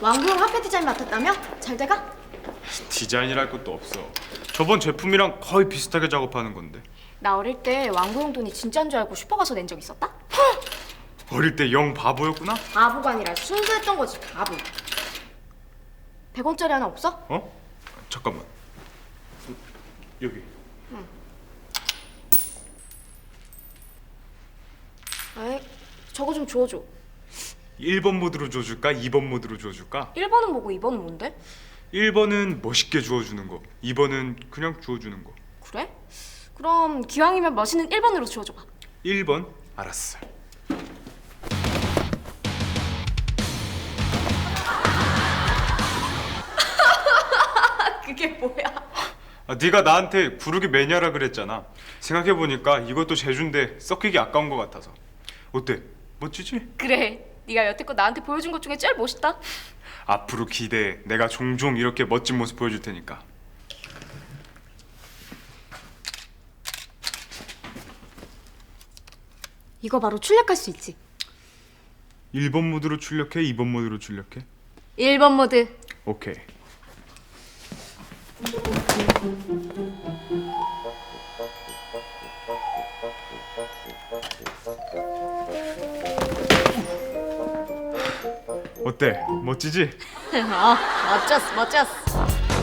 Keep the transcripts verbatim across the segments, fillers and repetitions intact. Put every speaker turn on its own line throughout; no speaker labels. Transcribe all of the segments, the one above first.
왕구용 화폐 디자인 맡았다며? 잘 돼가?
디자인이랄 것도 없어. 저번 제품이랑 거의 비슷하게 작업하는 건데.
나 어릴 때 왕구용 돈이 진짜인 줄 알고 슈퍼 가서 낸 적 있었다?
어릴 때 영 바보였구나?
바보가 아니라 순수했던 거지, 바보. 백 원짜리 하나 없어?
어? 잠깐만. 여기.
에이, 저거 좀 주워줘.
일 번 모드로 줘줄까? 이 번 모드로 줘줄까?
일 번은 뭐고 이 번은 뭔데?
일 번은 멋있게 주워주는 거, 이 번은 그냥 주워주는 거.
그래? 그럼 기왕이면 멋있는 일 번으로 주워줘봐.
일 번? 알았어.
그게 뭐야?
아, 네가 나한테 구르기 매니아라 그랬잖아. 생각해보니까 이것도 제주인데 썩히기 아까운 것 같아서. 어때? 멋지지?
그래, 네가 여태껏 나한테 보여준 것 중에 제일 멋있다.
앞으로 기대해. 내가 종종 이렇게 멋진 모습 보여줄 테니까.
이거 바로 출력할 수 있지.
일 번 모드로 출력해? 이 번 모드로 출력해?
일 번 모드.
오케이. 어때? 멋지지?
어, 멋졌어, 멋졌어.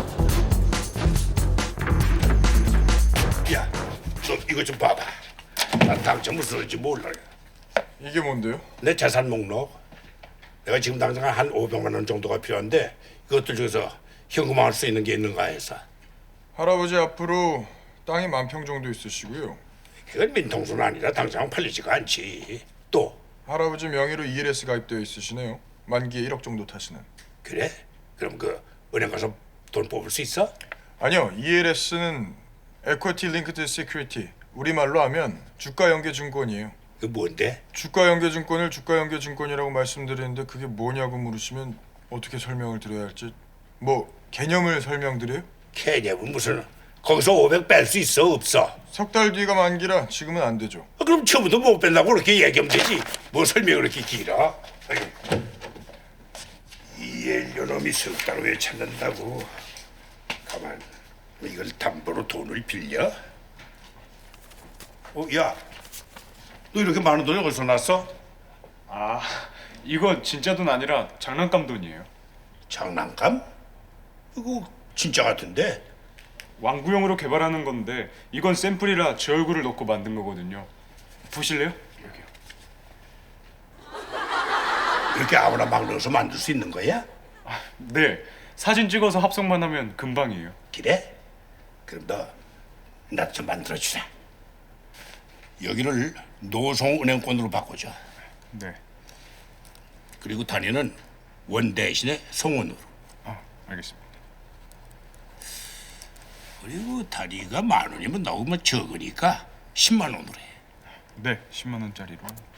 야, 너 이거 좀 봐봐. 난 당장 무슨 소리인지 몰라.
이게 뭔데요?
내 재산 목록. 내가 지금 당장 한 오백만 원 정도가 필요한데 이것들 중에서 현금화할 수 있는 게 있는가 해서.
할아버지 앞으로 땅이 만 평 정도 있으시고요.
이건 민통수는 아니라 당장 팔리지가 않지. 또
할아버지 명의로 이엘에스 가입되어 있으시네요. 만기에 일억 정도 타시는.
그래? 그럼 그 은행 가서 돈 뽑을 수 있어?
아니요, 이엘에스는 Equity Linked Security. 우리말로 하면 주가 연계 증권이에요.
그 뭔데?
주가 연계 증권을 주가 연계 증권이라고 말씀드리는데 그게 뭐냐고 물으시면 어떻게 설명을 드려야 할지. 뭐 개념을 설명드려요?
개념은 무슨? 거기서 오백 뺄 수 있어 없어?
석 달 뒤가 만기라 지금은 안 되죠.
아, 그럼 처음부터 못 뺀다고 그렇게 얘기하면 되지. 뭐 설명이 그렇게 길어? 아이고. 이엘요놈이 석 달 후에 찾는다고. 가만, 이걸 담보로 돈을 빌려? 어, 야, 너 이렇게 많은 돈이 어디서 났어?
아, 이거 진짜 돈 아니라 장난감 돈이에요.
장난감? 이거 진짜 같은데?
왕구용으로 개발하는 건데 이건 샘플이라 제 얼굴을 넣고 만든 거거든요. 보실래요? 여기요.
이렇게 아무나 막 넣어서 만들 수 있는 거야?
아, 네. 사진 찍어서 합성만 하면 금방이에요.
그래? 그럼 너 나 좀 만들어주라. 여기를 노송은행권으로 바꾸자.
네.
그리고 단위는 원 대신에 성원으로.
아, 알겠습니다.
그리고 단위가 만 원이면 너무 적으니까 십만 원으로 해.
네, 십만 원짜리로.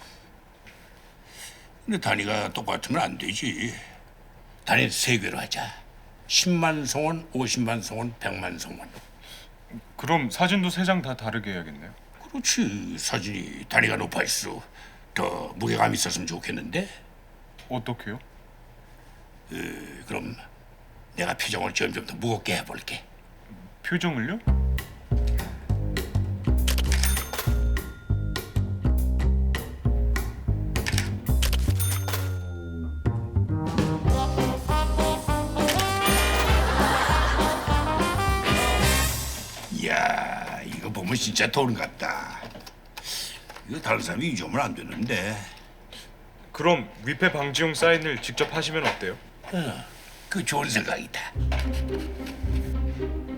근데 단위가 똑같으면 안 되지. 단위 세 개로 하자. 십만 성원, 오십만 성원, 백만 성원.
그럼 사진도 세 장 다 다르게 해야겠네요.
그렇지. 사진이 단위가 높아질수록 더 무게감 있었으면 좋겠는데.
어떻게요?
그럼 내가 표정을 점점 더 무겁게 해볼게.
표정을요?
이야, 이거 보면 진짜 돈 같다. 이거 다른 사람이 잊으면 안 되는데.
그럼 위패 방지용 사인을 직접 하시면 어때요?
그 좋은 생각이다.